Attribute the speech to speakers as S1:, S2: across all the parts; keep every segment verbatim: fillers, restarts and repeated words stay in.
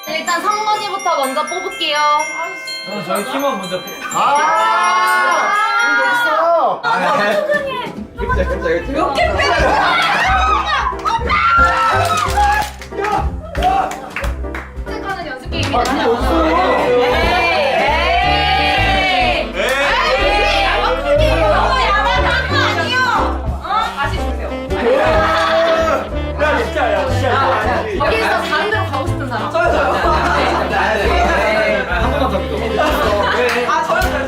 S1: 일단 성건이부터 먼저 뽑을게요.
S2: 저는 저희 팀원 먼저 뽑.
S3: 아! 여기 있어!
S2: 아, 깜짝이야, 깜짝이야.
S1: 몇 개 빼는 거는 연습 게임이다.
S3: 아, 그게 없어!
S1: 여기서 다른 데로 가고 싶은 사람.
S2: 한 번만 더 믿어. 아, 저요, 저요.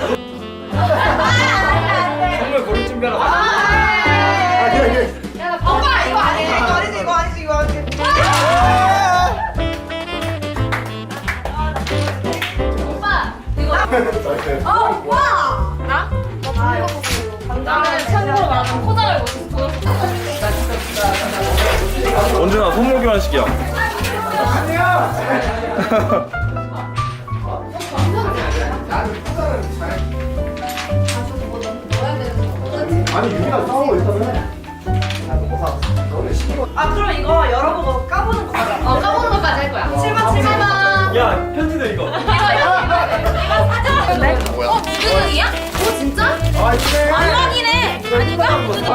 S2: 선물 고를 준비하러 가.
S3: 아, 그래, 그래.
S1: 야, 나 오빠 이거 아니야.
S4: 이거 아니지 이거 아니지 이거 아니지.
S1: 오빠 이거.
S4: 어 오빠.
S1: 나? 나는 참고로 말하면 포장을 못해서
S5: 원준아 선물 교환시키야.
S3: 아니, 유리가 싸워, 일단은.
S4: 아 그럼 이거 열어보고 까보는 거 하자.
S1: 어 까보는 것까지 할 거야. 칠번 칠번.
S2: 야, 편지도 이거.
S1: 이거 이거 이거 사진.
S3: 뭐야?
S1: 어 두근이야? 어 진짜?
S3: 아, 이쁘네.
S1: 안락이네. 아닌가?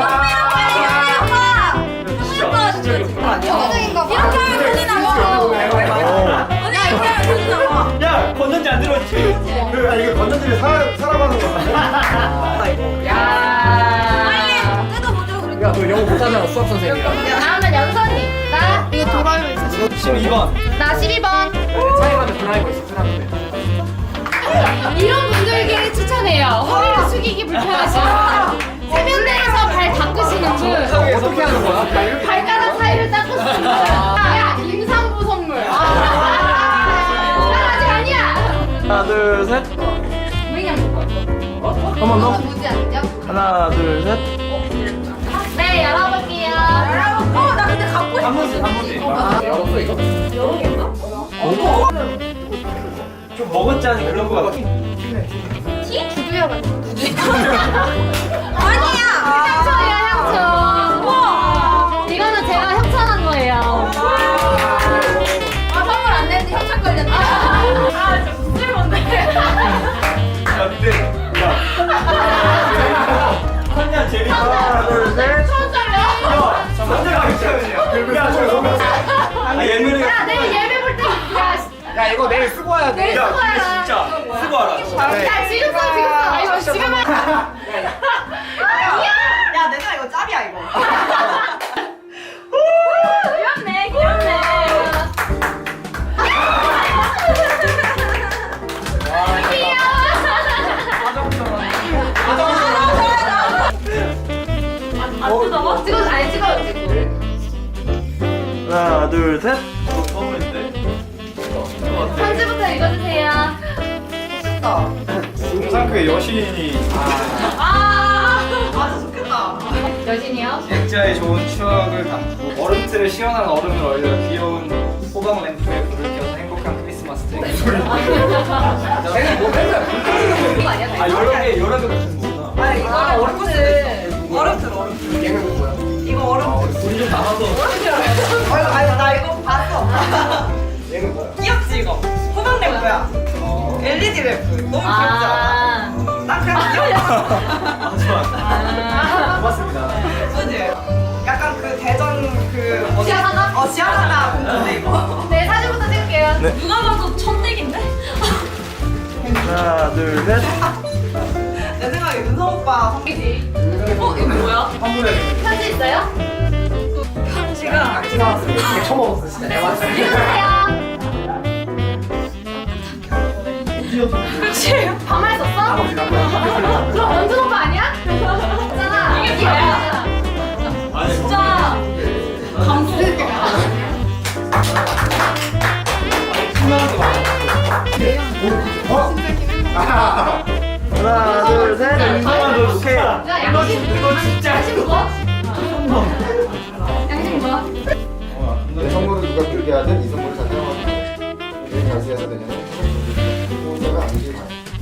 S2: 진짜, 진짜 이거.
S4: 아니야?
S1: 이렇게 하면 큰일 나고. 야 이렇게 하면 큰일 나고.
S2: 야, 건전지 안 들어있지?
S3: 그, 아, 이게 건전지를 사, 살아가는 거.
S1: 야. 빨리 뜯어보죠.
S2: 야, 너 영어 못하잖아, 수학 선생님이랑.
S1: 다음은 연선이. 나 이거 돌아요 있어.
S2: 십이 번.
S1: 나 십이 번.
S2: 차이가는 드라이버 있어, 드라이버.
S1: 이런 분들께 추천해요. 허리를 숙이기 불편하시면 세면대에서 발 닦으시는 분,
S2: 어떻게 하는 거야?
S1: 발가락 사이를 닦으시는 분. 야 임산부 선물. 아, 난 아직 아니야.
S5: 하나 둘 셋.
S1: 왜냐면
S5: 한 번 더.
S1: 뭐지 않죠?
S5: 하나 둘 셋.
S1: 네 열어볼게요.
S4: 어나 근데 갖고
S2: 한 번씩, 한 번씩. 아, 열었어, 이거?
S4: 여러 개인가?
S2: 좀 먹었자니 그런 거 같아.
S1: 티? 두두야 같은 두두.
S4: 아니야.
S1: 향초예요 향초. 우와. 이거는 제가 협찬한 거예요. 아 선물 안 냈는데 협찬 걸렸네. 아 진짜 무슨 건데?
S2: 야, 근데, 야. 선야, 제리.
S3: 하나, 둘, 셋.
S1: 천원짜리야.
S2: 야, 선야, 괜찮으냐? 야, 저 선물. 아, 예민해.
S1: 야 내일 예배 볼 때. 야.
S2: 야, 이거 내일 쓰고 와야 돼.
S1: 내일
S2: 야,
S1: 쓰고
S2: 근데
S1: 와라.
S2: 진짜 쓰고 와라.
S1: 야 지금 써 지금 써. 아, 이거 지금 해.
S4: 야 내가 이거 짭이야 이거.
S1: 귀엽네 귀엽네. 어, 찍어, 아니 찍어요, 찍고.
S5: 하나 둘 셋.
S2: 선물인데.
S1: 편지부터 읽어주세요.
S4: 좋겠다.
S2: 상크의 여신이
S1: 아,
S4: 아 진짜 좋겠다.
S1: 여신이요?
S2: 액자에 좋은 추억을 담고 얼음틀에 시원한 얼음을 얼려 귀여운 호박 램프에 불을 켜서 행복한 크리스마스 트리. 쟤는 뭐 맨날
S1: 그거 아니야?
S2: 아 여러 개 여러 개 같은 거구나.
S4: 아니 이거
S1: 아,
S4: 얼음틀. 얼음틀 얼음틀.
S3: 얘는 뭐야?
S4: 이거 얼음틀.
S2: 돈이 좀 남아서.
S4: 어, 이거 아니 나 이거 봤어.
S3: 얘는 뭐야?
S4: 귀엽지 이거. 호박 램프야. 엘이디 램프. 너무 귀엽지 않아?
S1: 아,
S4: 난 그냥 귀엽다.
S2: 아 좋아.
S1: 아.
S2: 고맙습니다.
S4: 그지? 약간 그 대전 그 어디-
S1: 지하상가?
S4: 어 지하상가 공주인데 이거.
S1: 네, 사진부터 찍을게요.
S5: 네.
S1: 누가 봐도 천댁인데?
S5: 하나 둘 셋.
S4: 내 생각에 윤성 오빠
S1: 이지. 어, 이거 뭐야?
S2: 선물해.
S1: 편지 있어요?
S4: 편지가
S3: 되게 처먹었어, 진짜. 내가 봤을 때.
S1: 읽어주세요. 반말 썼어?
S3: 아버지, 나도.
S1: 그럼 원준 오빠 아니야? 있잖아. 이게 뭐야?
S2: 아니
S1: 진짜 감동.
S3: 어? 아,
S5: 하나 둘 셋.
S2: 너 오케이.
S1: 야, 양심.
S2: 너 진짜.
S1: 양심 뭐? 양심 뭐?
S3: 내 선물을 누가 들게 하든 이 선물을 다 사용하는 내 가수해서 되냐면 혼자가 아니지.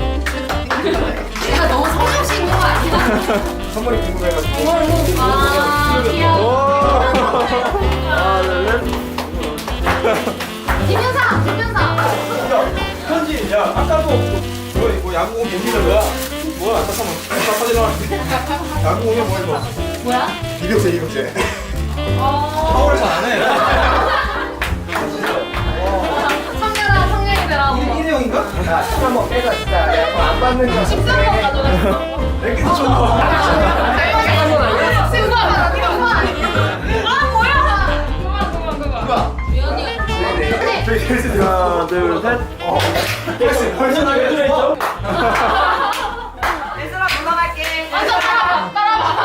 S1: 내가 너무 성의없이 있는 거 아니야?
S3: 선물이 궁금해가지고.
S1: 아, 귀여워.
S5: 하나 둘 셋.
S1: 김윤상, 김윤상.
S6: 야 아까도 뭐, 뭐 야구공 옮기는 거야? 뭐야 잠깐만 나 사진 나왔는데 야구공이 뭐야 이거?
S1: 뭐야?
S3: 이병재 이병재.
S6: 파워를 잘 안 해.
S1: 청년아 청년이 되라.
S6: 일회용인가?
S3: 야, 술 한번 빼자 진짜. 야, 그거 안 받는 거.
S1: 십삼 번 가져갔어.
S6: 이렇게 좋은 거.
S1: 승관 승관. 아 뭐야? 그만 그만 그만. 미연이.
S3: 네네. 저기 계세요.
S5: 하나, 둘, 셋.
S6: 벌써 벌써 나게 들어있죠?
S4: 얘들아 올라갈게.
S1: 맞아 따라봐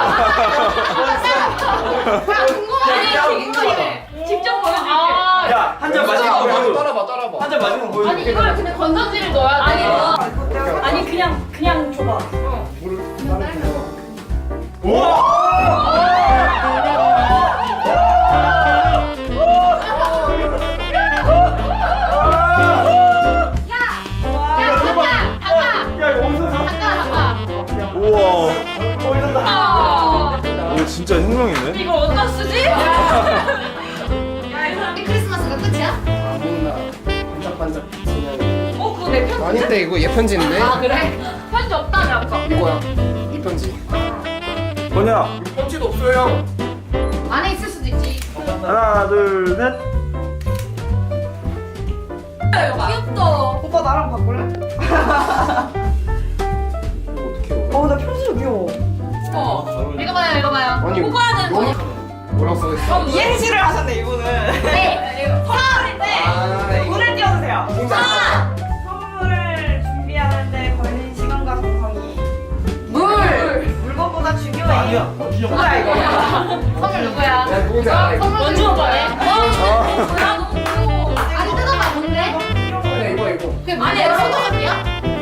S1: 따라봐. 야 궁금하네 궁금해. 직접 보여줄게. 아,
S6: 야 한 잔 마시고 보여줘.
S3: 따라봐 따라봐.
S6: 한 잔 마시고 보여줘.
S1: 아니 이걸 근데 건전지를 넣어야 돼. 아니
S4: 아니 그냥 그냥 줘봐.
S3: 물을 따르게 해서.
S1: 야 잠깐 잠깐
S6: 야 이거 어디서 사?
S1: 잠깐 잠깐.
S5: 우와.
S6: 어디서 사?
S1: 아,
S5: 이거 진짜 혁명이네.
S1: 이걸 어디다 쓰지? 이 크리스마스가 끝이야?
S3: 아무나 반짝반짝 그냥.
S1: 어 그거 내 편지.
S3: 아닌데 이거 얘 편지인데.
S1: 아 그래? 편지 없다며 아까.
S3: 이거야. 이 편지.
S5: 뭐냐?
S3: 편지도 없어요.
S1: 안에 있을 수도 있지.
S5: 하나, 둘, 셋.
S1: 귀엽다.
S4: 오빠 나랑 바꿀래?
S3: 어떻게 해?
S4: 어나 편지도 귀여워.
S1: 어. 읽어봐요 읽어봐요.
S3: 아니,
S1: 그거는
S3: 너무 뭐라고 써있어?
S4: 이행시를 하셨네 이분은.
S1: 네.
S4: 선물인데
S3: 아, 이거.
S4: 물을 띄워주세요.
S3: 진짜.
S4: 선물을 준비하는데 걸린 시간과 정성이
S1: 물.
S4: 물건보다 중요해.
S6: 아니야.
S4: 뭐야 이거?
S1: 선물 누구야?
S3: 야, 누군지 알아, 이거.
S1: 선물 원주 오빠네. 어? 몰라 너무 귀여워. 아니 뜯어봐 뭔데?
S3: 아니, 이거 이거.
S1: 그게 안에 여러 포토카피야?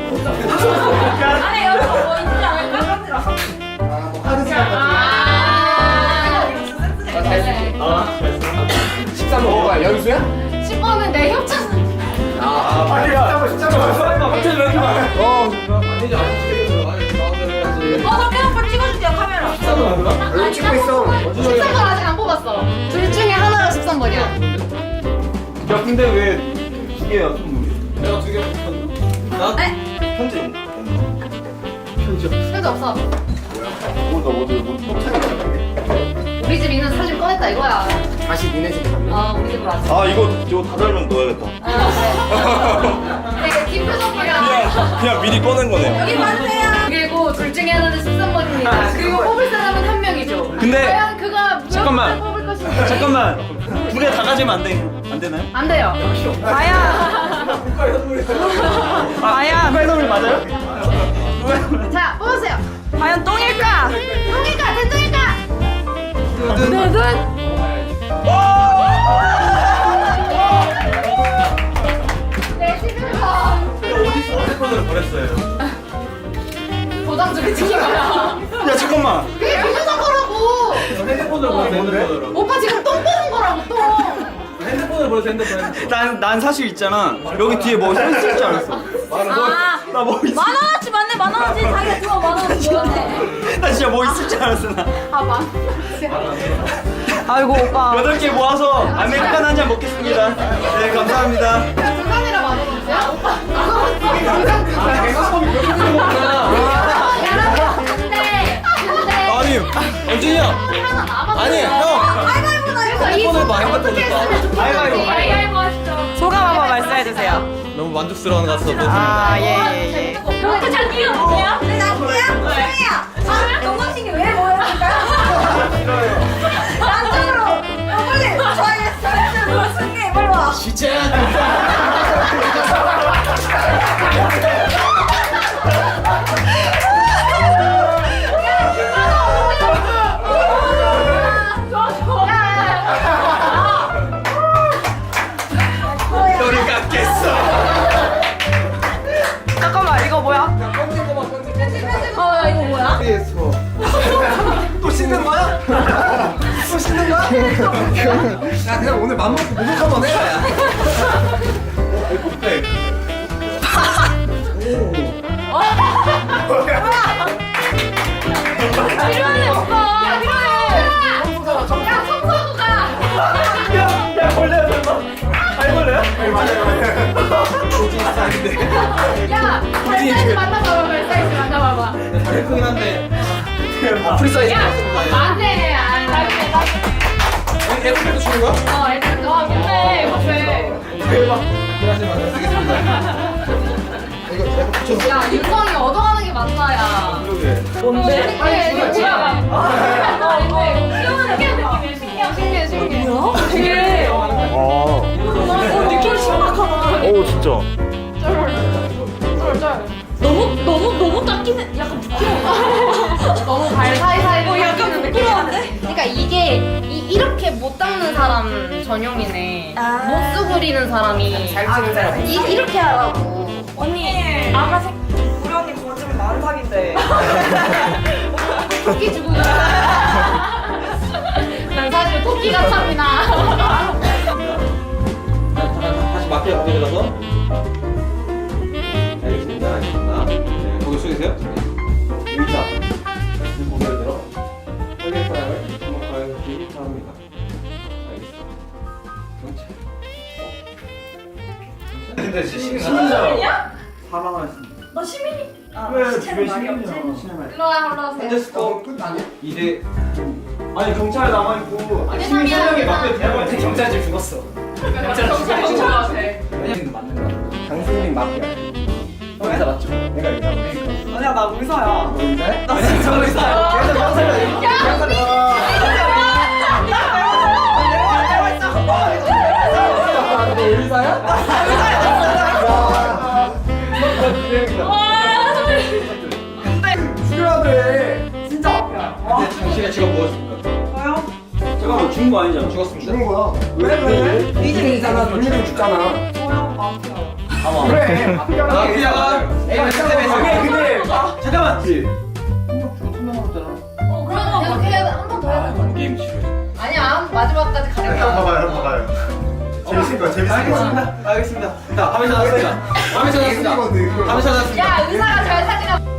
S1: 안에 여러 뭐 있지 않을까?
S3: 아, 뭐 카드 시간 같은
S1: 아.
S3: 거. 나 해줄게.
S6: 아 잘했어.
S3: 십삼 번 뭐야? 연수야?
S1: 십 번은 내 협찬.
S3: 아,
S6: 아니야.
S3: 십삼 번, 십삼 번.
S6: 갑자기 왜 이렇게 많아?
S3: 어, 아니지, 아니지. 아니, 나오면 해야지.
S4: 어, 석현 오빠 찍어주세요 카메라.
S3: 여기 찍고 있어.
S1: 십삼 번 아직 안 뽑았어. 둘 중에 하나가 십삼 번이야.
S5: 야, 근데 왜 두 개야, 선물이?
S6: 내가 두 개 뽑았나? 나 편지.
S1: 편지 없어.
S3: 뭐, 너 어디, 뭐, 똥차게
S1: 우리 집 있는 사진 꺼냈다 이거야.
S3: 다시 니네 집에 갔네.
S1: 아 우리 집으로 왔어.
S5: 아, 이거, 이거 다 달면 넣어야겠다.
S1: 아, 그래. 되게 뒷 표정이야.
S5: 그냥, 그냥 미리 꺼낸 거네요.
S1: 여기 봐주세요. 그리고 둘 중에 하나는 십삼 번입니다. 그리고 뽑을 사람은 한 명이죠.
S5: 근데-
S1: 과연 그가
S5: 잠깐만.
S1: 무엇을 뽑을 것인지.
S5: 잠깐만. 두 개 다 가지면 안 돼. 안 되나요?
S1: 안 돼요.
S4: 과연 과연
S5: 누가 선물 맞아요?
S1: 자 뽑으세요.
S4: 과연 똥일까?
S1: 똥일까 된똥일까? 두둔. 네 십일 번.
S6: 어디서 핸드폰을 버렸어요?
S1: 도장 중에 찍힌 거야.
S5: 야, 잠깐만.
S1: 그게 비교적 거라고.
S6: 핸드폰을 버려서 핸드폰으로.
S1: 오빠 지금 똥 뽑은 거라고 똥.
S6: 핸드폰을 버려서 핸드폰.
S5: 난, 난 사실 있잖아. 여기 뒤에 뭐 써 있을 줄 알았어.
S1: 아.
S5: 나 뭐 있을
S1: 만 원어치 맞네 만 원어치 자기가 주워 만 원어치 주웠네.
S5: 나 진짜 뭐 있을 줄 알았어, 나.
S1: 아만 원.
S4: 아이고 오빠.
S5: 여덟 개 모아서 아메리카노 한 잔 먹겠습니다. 네, 감사합니다.
S1: 두산이라 만 원어치야? 오빠 이거 두산 두산.
S6: 핸드폰이 그렇게 되는 거구나.
S1: 여러분 근데 근데
S5: 아니, 언제냐?
S1: 하나 남았어요.
S5: 아니, 형.
S1: 가위바위보 나 그래서 이
S6: 핸드폰을 봐,
S1: 선물 어떻게
S6: 핸드폰을 봐.
S1: 했으면 좋겠는지
S6: 가위바위보,
S1: 가위바위보 하시죠.
S4: 소감 한번 말씀해주세요.
S6: 너무 만족스러운 것 같아서.
S4: 아 예예예.
S1: 그 장기가 뭐야?
S4: 네 장기야? 수영이야. 아 동방신기 왜 모여줄까요? 안쪽으로. 어, 빨리 저희 승리 빨리 와.
S5: 너를 깎겠어.
S4: 잠깐만 이거 뭐야?
S1: 어 이거 뭐야?
S3: 피에스코.
S6: 또 씻는 거야? 또 씻는 거야?
S3: 야, 그냥 오늘 맘 먹고 목욕 한번 해라, 야.
S1: 필요하네 오빠. 필요해. 야 청소하고 가.
S5: 야, 야, 벌레야, 설마? 아이, 벌레야?
S3: 맞아요.
S6: 있는데.
S1: 야, 발 사이즈 만나봐봐, 발 사이즈 만나봐봐.
S6: 다리 크긴 한데.
S2: 아, 프리 사이즈
S1: 야,
S2: 같습니다.
S1: 안돼, 안 나중에 나중에.
S6: 애플도 주는 거야?
S1: 어, 애들 너 근데 이거 돼.
S6: 대박. 일하시면 쓰겠습니다.
S3: 이거 내가 붙여.
S1: 야, 윤성이 얻어가는 게 맞나, 야.
S6: 그러게.
S1: 뭔데? 아니, 이거 뭐야? 아, 이거 시원한 느낌이야, 신기해, 신기해, 신기해. 뭐야? 되게.
S5: 아.
S1: 어, 느낌 신박하다.
S5: 오 진짜.
S1: 쩔쩔.
S7: 너무 너무 너무 작긴 해. 약간 부끄러워.
S1: 너무 발 사이사이.
S7: 어, 약간 부끄러운데?
S1: 그러니까 이게 이, 이렇게 못 닦는 사람 전용이네.
S7: 아.
S1: 못 수그리는 사람이
S2: 잘 찍는 사람.
S1: 이, 이렇게 하라고.
S7: 언니 아가색
S4: 우리 언니 거짓말 많은 사기인데.
S1: 토끼 주고. 난 사실 토끼가 탑이나.
S6: 다시 마피아 거기에 가서. 알겠습니다. 알겠습니다. 네, 거기 쏘이세요? 의자. 고개를 들어. 확인 사람을 한번 가야지 바랍니다. 알겠습니다. 경찰.
S2: 근데 진짜 시민자.
S5: 사망하였습니다.
S4: 너 시민이? 아,
S5: 왜
S4: 시체는
S5: 집에
S4: 말이 없지?
S5: 시민이야?
S1: 일로 와, 일로 와세요.
S6: 현재 스코어
S3: 끝 아니야?
S6: 이 대
S5: 아니 경찰 남아 있고
S1: 아니,
S5: 시민 세 명이
S1: 사람이야.
S5: 막대 대화를
S2: 근데 경찰집 죽었어. 경찰
S1: 경찰
S2: 죽었어.
S1: 죽은 것 같아.
S2: 왜냐면 맞는 거야. 강수민 마피아. 형 의사 맞죠? 내가 의사 맞으니까.
S4: 아니야, 나 의사야.
S2: 너 의사해?
S4: 나 진짜 의사야.
S2: 계속 형사를
S3: 죽여야 돼.
S4: 진짜 마피아야.
S6: 근데 당신의 직업 무엇입니까?
S4: 저요?
S5: 잠깐만 죽은 거 아니잖아.
S6: 죽었습니다.
S3: 죽은 거야.
S4: 왜, 왜, 왜?
S3: 이진이잖아. 돌리면 죽잖아.
S4: 저요? 마피아.
S3: 그래.
S6: 마피아가
S2: 내가
S6: 스텝에서
S5: 근데 잠깐만.
S1: 어, 그러면 계속 해야 한 번 더 해야 돼.
S6: 게임 치료.
S1: 아니야, 마지막까지
S3: 형
S1: 가려고.
S3: 봐봐요, 봐봐요. 재밌을 거야, 재밌을 거야.
S6: 알겠습니다. 알겠습니다. 자, 화면 찾았습니다. 화면 찾았습니다. 화면 찾았습니다.
S1: 야, 의사가 잘 사귀나.